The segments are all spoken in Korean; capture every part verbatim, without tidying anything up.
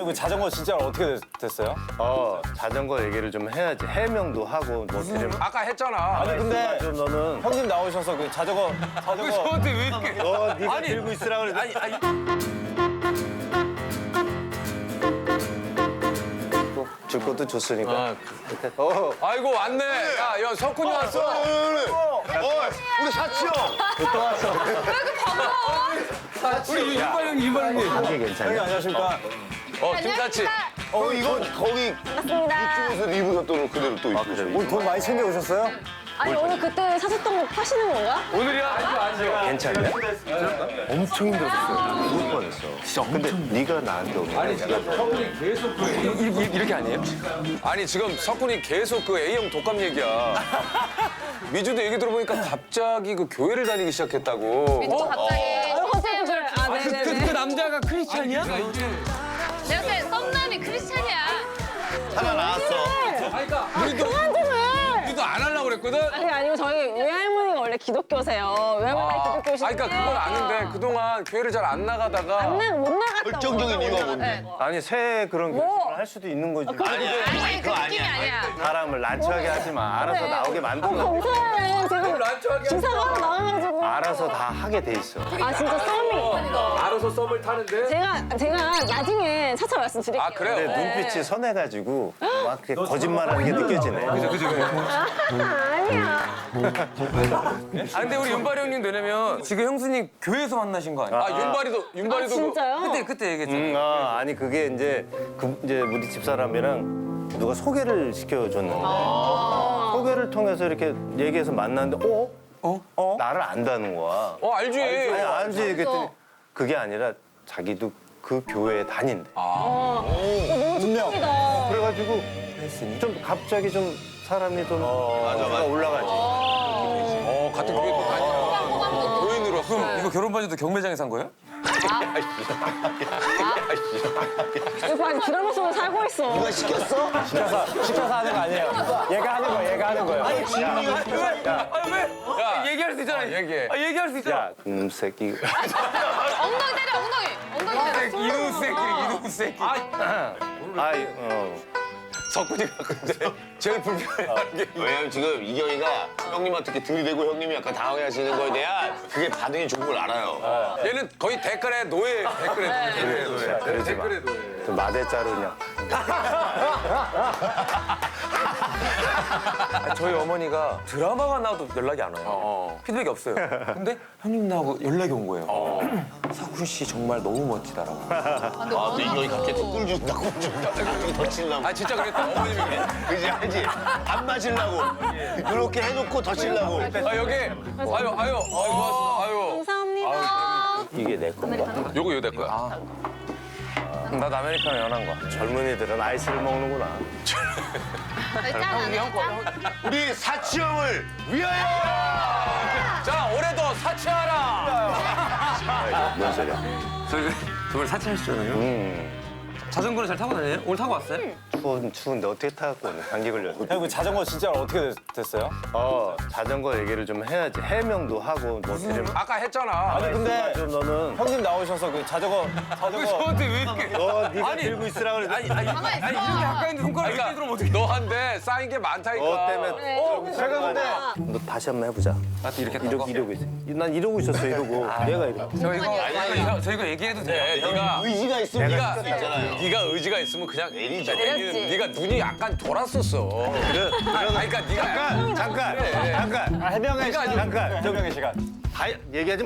그리고 자전거 진짜 어떻게 됐, 됐어요? 어 자전거 얘기를 좀 해야지. 해명도 하고 뭐 드림. 아까 했잖아. 아니 근데 좀 너는 형님 나오셔서 그 자전거 자전거 저한테 왜 이렇게? 너 네가 아니, 들고 있으라 그래. 아니, 아니. 줄 것도 줬으니까. 아, 어. 아이고 왔네. 야, 야 석훈이 왔어. 어, 우리 사치 형. 우리 윤발 형님, 윤발 형님. 이게 형님 괜찮냐? 안녕하십니까? 어, 김사치. 어 이거 거기 반갑습니다. 이쪽에서 입으셨던 그대로 또 입고. 오늘 돈 많이 챙겨 오셨어요? 아니 오늘 그때 사셨던 거 파시는 건가? 오늘이야. 앉아. 괜찮냐? 엄청 힘들었어. 죽을 뻔했어. 진짜 근데 네가 나한테 오면 아니 석훈이 계속 그 이렇게, 이렇게 아니에요? 아니 지금 석훈이 계속 그 A형 독감 얘기야. 미주도 얘기 들어보니까 갑자기 그 교회를 다니기 시작했다고. 또 갑자기 컨셉을 좀 아, 그, 네네네. 그 남자가 크리스찬이야? 내 옆에 썸남이 크리스찬이야. 하나 나왔어. 그러니까 우리도 그만 좀 해. 우리도 안 하려고 그랬거든. 아니 아니고 저희 외할머니가 원래 기독교세요. 외할머니 아, 기독교시는데. 아니, 그러니까 그건 아는데 그동안 교회를 잘 안 나가다가. 안 나, 못 나갔다. 결정적인 이유가 뭔데? 아니 새해 그런 뭐? 결심을 할 수도 있는 거지. 아니, 그 느낌이 아니야. 사람을 난처하게 하지 마. 알아서 나오게 만들어. 감사해. 지금 난처하게 기사가 하나 나와가지고. 알아서 다 하게 돼 있어. 아 진짜 썸이. 알아서 썸을 타는데. 제가 제가 나중에 차차 말씀드릴게요. 아 그래요? 근데 눈빛이 선해가지고 막 이렇게 거짓말하는 게 느껴지네. 그죠 그죠. 아, 아니야. 아 근데 우리 윤발이 형님 되려면 지금 형수님 교회에서 만나신 거 아니에요? 아 윤발이도 아 윤발이도 진짜요? 그때 그때 얘기했죠. 음, 아, 아니 그게 이제 그 이제 우리 집사람이랑 누가 소개를 시켜줬는데 소개를 통해서 이렇게 얘기해서 만났는데 어? 어? 어? 나를 안다는 거야. 어 알지. 아니 알지 그랬더니 그게 아니라 자기도 그 교회에 다닌대. 어, 너무 좋습니다. 그래가지고 좀 갑자기 좀 사람이 좀 맞아, 올라가지. 어 같은 교회 또 다니고 교인으로. 그럼 이거 결혼 반지도 경매장에 산 거예요? 이거 아니 드라마 속에 살고 있어. 시켜서 시켜서 하는 거 아니에요? 얘가 하는 거예요. 얘가 하는 거예요. 아니 아 왜? 야 얘기할 수 있잖아. 얘기해. 아 얘기할 수 있잖아. 야, 음 새끼. 엉덩이 때려, 엉덩이. 엉덩이 때려. 이놈 새끼 이놈 새끼. 아이, 어. 석훈이가 근데 제일 불편해하는 게 왜냐면 지금 이경이가 형님한테 이렇게 들이대고 형님이 약간 당황해하시는 거에 대한 그게 반응이 좋은 걸 알아요. 얘는 거의 댓글에 노예 댓글에 노예 노예. 그러지 마. 댓글에 노예. 좀 마대 자루냐. 저희 어머니가 드라마가 나와도 연락이 안 와요. 어. 피드백이 없어요. 근데 형님 나하고 연락이 온 거예요. 석훈 씨 정말 너무 멋지다라고. 아, 근데 이경이 갑자기 또 꿀 준다, 꿀 준다. 갑자기 더 치려고. 아 진짜 그랬다 어머님이. 그지, 알지? 안 마시려고. 그렇게 해놓고 더 치려고. 아 여기 아유 아유 아유 고맙습니다. 아유 감사합니다. 이게 내 건가? 요거 요거 내 거야. 나 아메리카노 연한 거. 젊은이들은 아이스를 먹는구나. 우리 사치 형을 위하여! 자 올해도 사치하라. 뭔 소리야? 저희 정말 사치하시잖아요. 음. 자전거를 잘 타고 다녀요? 오늘 타고 왔어요? 추운, 추운데 어떻게 타갖고 오늘 감기 걸렸어. 형님 그 자전거 진짜 어떻게 됐, 됐어요? 어, 자전거 얘기를 좀 해야지. 해명도 하고 뭐 드림. 아까 했잖아. 아니 근데 좀 너는 형님 나오셔서 그 자전거 자전거 저한테 왜 이렇게? 너 네가 아니, 들고 있으라 그래. 아니 아니 가만히 있어. 아니 이렇게 가까이 있는 손가락 이렇게 들으면 어떻게? 너한테 쌓인 게 많다니까. 너 때문에. 어, 제가 근데 너 다시 한번 해보자. 나한테 이렇게 이러고, 이러고 있어. 난 이러고 있었어, 이러고. 얘가 이러고. 저 이거 아니, 저 이거 얘기해도 돼. 네가 의지가 있으면 네가 수 있잖아요. 네가 의지가 있으면 그냥 내리죠. 내리는 네가 눈이 약간 돌았었어. 그래, 아니, 그러니까 네가 잠깐, 잠깐, 그래. 잠깐. 아, 해명의 네가 시간. 잠깐. 해명의 시간. 다 얘기하지 마.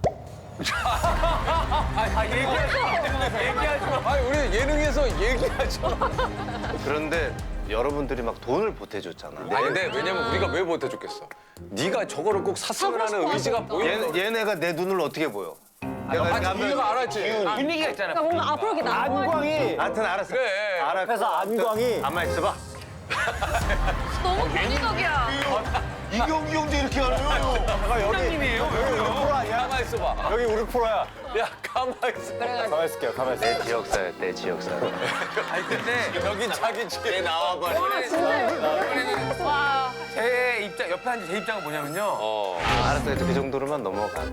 아 얘기하지 마. 얘기하지 마. 아니 우리 예능에서 얘기하지 마. 그런데 여러분들이 막 돈을 보태줬잖아. 아니 근데 왜냐면 우리가 왜 못해줬겠어? 네가 저거를 꼭 샀으면 하는 의지가 보이는 얘, 얘네가 내 눈을 어떻게 보여? 내가 이렇게 아, 하면 네가 알았지. 분위기가 있잖아. 그러니까 뭔가 앞으로 이렇게 나와. 안광이 하여튼 알았어. 그래. 알아. 그래서 안광이 가만 있어봐. 너무 권위적이야. 이경이 형도 이렇게 하네요. 잠깐 여기 여기 우리 프로 아니야? 가만 있어봐. 여기 우리 프로야. 야 가만 있어. 가만 있을게요. 가만 있을게요. 내 지역사야, 내 지역사. 아니 근데 여긴 자기 집에 나와봐. 와 진짜. 와, 제 입장, 옆에 앉은 제 입장은 뭐냐면요. 어. 아, 알았어. 그래도 그 정도로만 넘어가고.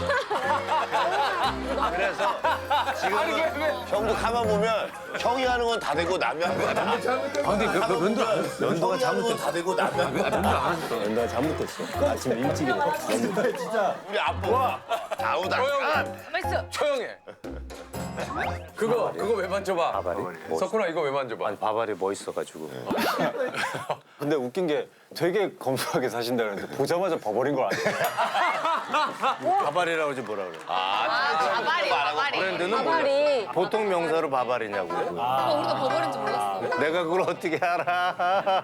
그래서 지금은 형도 가만 보면 형이 하는 건 다 되고 남이 하는 건 다. 아 근데 면도 안 했어. 연도가 잘못됐어. 다 되고 남이 하는 건 다. 연도가 잘못됐어. 아침에 일찍 일어났어. 우리 아빠. 아우다. 맛있어. 조용해. 그거, 그거 왜 만져봐? 바바리? 뭐, 석훈아, 이거 왜 만져봐? 아니, 바바리 멋있어가지고. 근데 웃긴 게 되게 검소하게 사신다 그랬는데 보자마자 버버린 걸 아니에요? 바바리라고 하지 뭐라 그래. 아, 바바리, 바바리. 브랜드는 뭐야? 가발이 보통 명사로 바바리냐고. 어, 우리도 버버린지 몰랐어. 내가 그걸 어떻게 알아?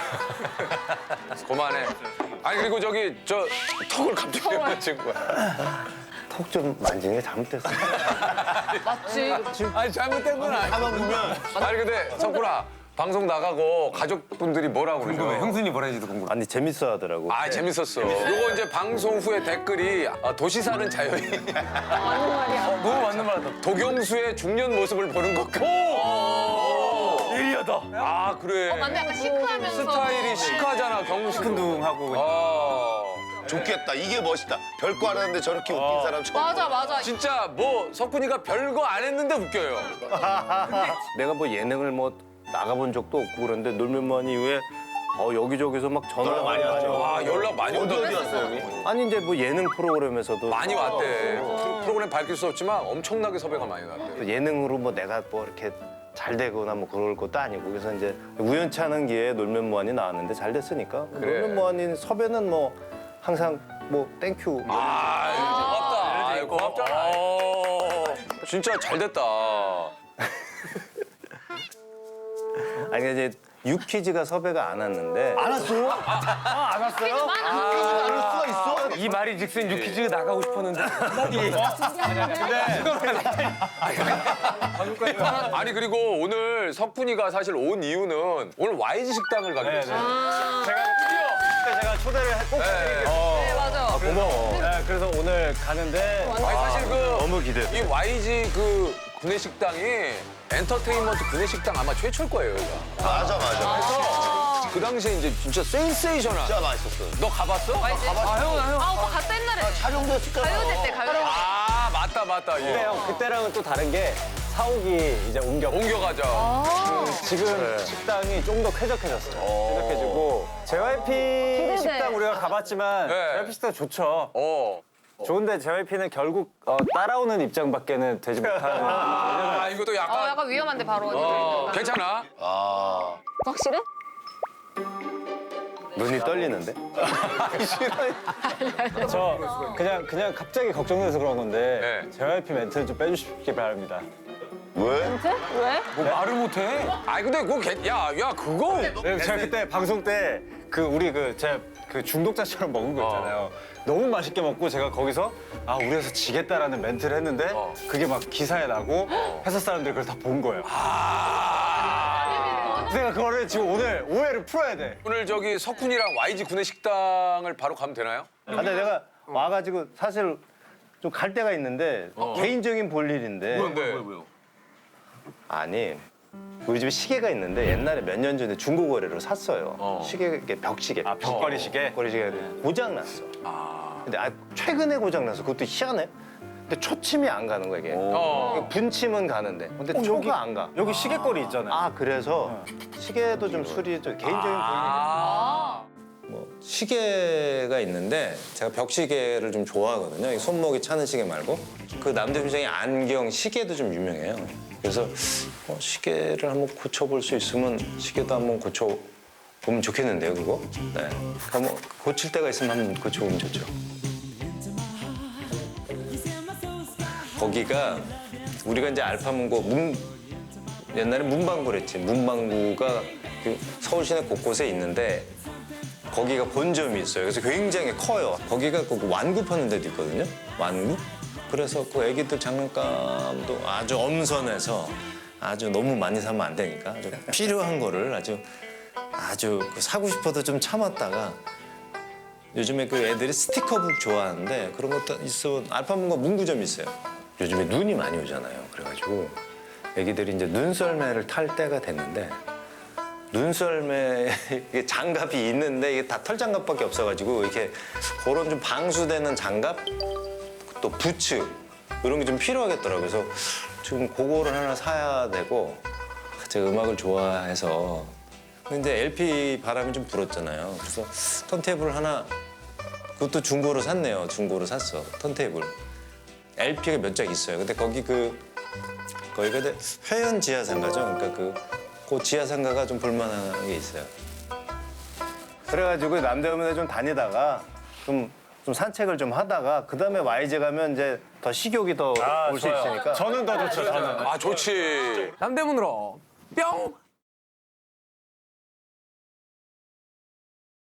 그만해. 아니, 그리고 저기, 저, 턱을 갑자기 왜 만진 거야? 턱 좀 만지는 게 잘못됐어. 맞지? 아니, 잘못된 건 아니야. 가만 보면 아니, 근데 석훈아, 방송 나가고 가족분들이 뭐라고 그러죠? 형수님 뭐라 했지도 궁금해. 아니 재밌어 하더라고. 아, 재밌었어. 요거 이제 방송 후에 댓글이 아, 도시 사는 자연인. 맞는 말이야. 너무 맞는 말이다. 도경수의 중년 모습을 보는 것 같고. 예리하다. 아, 그래. 어, 맞네. 약간 시크하면서. 스타일이 시크하잖아, 경수. 시큰둥하고 아. 좋겠다. 이게 멋있다. 별거 안 하는데 저렇게 웃긴 사람 처음. 맞아, 맞아. 진짜 뭐 석훈이가 별거 안 했는데 웃겨요. 내가 뭐 예능을 뭐 나가본 적도 없고 그런데 놀면만 이후에 어 여기저기서 막 전화가 많이 왔죠. 와, 연락 많이 어디 온다. 어디 왔어 여기? 아니 이제 뭐 예능 프로그램에서도 많이 왔대. 프로- 프로그램 밝힐 수 없지만 엄청나게 섭외가 많이 왔대. 예능으로 뭐 내가 뭐 이렇게 잘 되거나 뭐 그럴 것도 아니고 그래서 이제 우연치 않은 기회에 놀면 뭐하니 나왔는데 잘 됐으니까 그래. 놀면 뭐하니 섭외는 뭐 항상 뭐 땡큐 아, 고맙다. 아, 고맙잖아. 어, 진짜 잘 됐다. 아니 이제 유퀴즈가 섭외가 안 왔는데 안 왔어요? 안 왔어요? 안 올 수가 있어? 이 말이 즉슨 유퀴즈가 나가고 싶었는데 한마디. 아니, 그리고 오늘 석훈이가 사실 온 이유는 오늘 와이지 식당을 가기로 했어요. 제가 드디어 그때 제가 초대를 꼭 해드리겠습니다. 네, 맞아. 고마워. 네, 그래서 오늘 가는데 아니, 사실 그 너무 기대. 이 와이지 그 구내식당이 엔터테인먼트 구내식당 아마 최초일 거예요. 여기가. 맞아 맞아. 그래서 그 당시에 이제 진짜 센세이션한. 진짜 맛있었어. 너 가봤어? 와이지. 아, 형은 형. 아, 오빠 갔다 옛날에. 촬영됐을까? 가요제 때, 가요제 때. 아, 맞다, 맞다. 근데 예. 형 그때랑은 또 다른 게 사옥이 이제 옮겼고 옮겨가자. 지금 식당이 좀 더 쾌적해졌어요. 쾌적해지고 제이와이피 식당 우리가 가봤지만 네. 제이와이피 식당 좋죠. 어. 좋은데 제이와이피는 결국 어, 따라오는 입장밖에는 되지 못하는. 아, 이것도 어, 약간. 약간 위험한데, 바로. 어, 괜찮아? 아. 확실해? 눈이 떨리는데? 저 그냥 그냥 갑자기 걱정돼서 그런 건데 네. 제이와이피 멘트는 좀 빼주시기 바랍니다. 왜? 왜? 뭐 말을 못해? 아니, 근데 그거, 괜- 야, 야, 그거. 네, 제가 그때 방송 때 그 우리 그 제가 그 중독자처럼 먹은 거 있잖아요. 너무 맛있게 먹고 제가 거기서 아 우리에서 지겠다라는 멘트를 했는데 어. 그게 막 기사에 나고 회사 사람들이 그걸 다 본 거예요. 아. 내가 그거를 지금 오늘 오해를 풀어야 돼. 오늘 저기 석훈이랑 와이지 구내식당을 바로 가면 되나요? 아, 근데 내가 와가지고 사실 좀 갈 데가 있는데 개인적인 볼 일인데 뭔데? 아니 우리 집에 시계가 있는데 옛날에 몇 년 전에 중고 거래로 샀어요. 어. 시계 벽시계. 아 벽걸이 시계? 벽걸이 시계가 고장 났어. 근데 아, 최근에 고장 났어. 그것도 희한해. 근데 초침이 안 가는 거야 이게. 어. 분침은 가는데 근데 초가 안 가. 여기 시계걸이 있잖아요. 아 그래서 시계도 좀 수리 좀 개인적인 볼 아. 뭐 시계가 있는데 제가 벽시계를 좀 좋아하거든요. 이 손목이 차는 시계 말고 그 남대문장의 안경 시계도 좀 유명해요. 그래서 어, 시계를 한번 고쳐볼 수 있으면 시계도 한번 고쳐보면 좋겠는데요, 그거? 네. 한번 고칠 때가 있으면 한번 고쳐보면 좋죠. 거기가 우리가 이제 알파문고 문 옛날에 문방구랬지. 문방구가 그 서울 시내 곳곳에 있는데 거기가 본점이 있어요. 그래서 굉장히 커요. 거기가 그 완구 파는 데도 있거든요. 완구? 그래서 그 애기들 장난감도 아주 엄선해서 아주 너무 많이 사면 안 되니까 아주 필요한 거를 아주 아주 그 사고 싶어도 좀 참았다가 요즘에 그 애들이 스티커북 좋아하는데 그런 것도 있어. 알파문고 문구점이 있어요. 요즘에 눈이 많이 오잖아요. 그래가지고 애기들이 이제 눈썰매를 탈 때가 됐는데 눈썰매 이게 장갑이 있는데 이게 다 털장갑밖에 없어가지고 이렇게 그런 좀 방수되는 장갑 또 부츠 이런 게 좀 필요하겠더라고요. 그래서 지금 그거를 하나 사야 되고 제가 음악을 좋아해서 근데 이제 엘피 바람이 좀 불었잖아요. 그래서 턴테이블 하나 그것도 중고로 샀네요. 중고로 샀어 턴테이블. 엘피가 몇 장 있어요. 근데 거기 그 거기가 이제 회원 지하상가죠. 그러니까 그, 그 지하상가가 좀 볼만한 게 있어요. 그래가지고 남대문에 좀 다니다가 좀, 좀 산책을 좀 하다가 그 다음에 와이제 가면 이제 더 식욕이 더 올 수 있으니까. 저는 더 좋죠. 저는. 아 좋지. 남대문으로 뿅!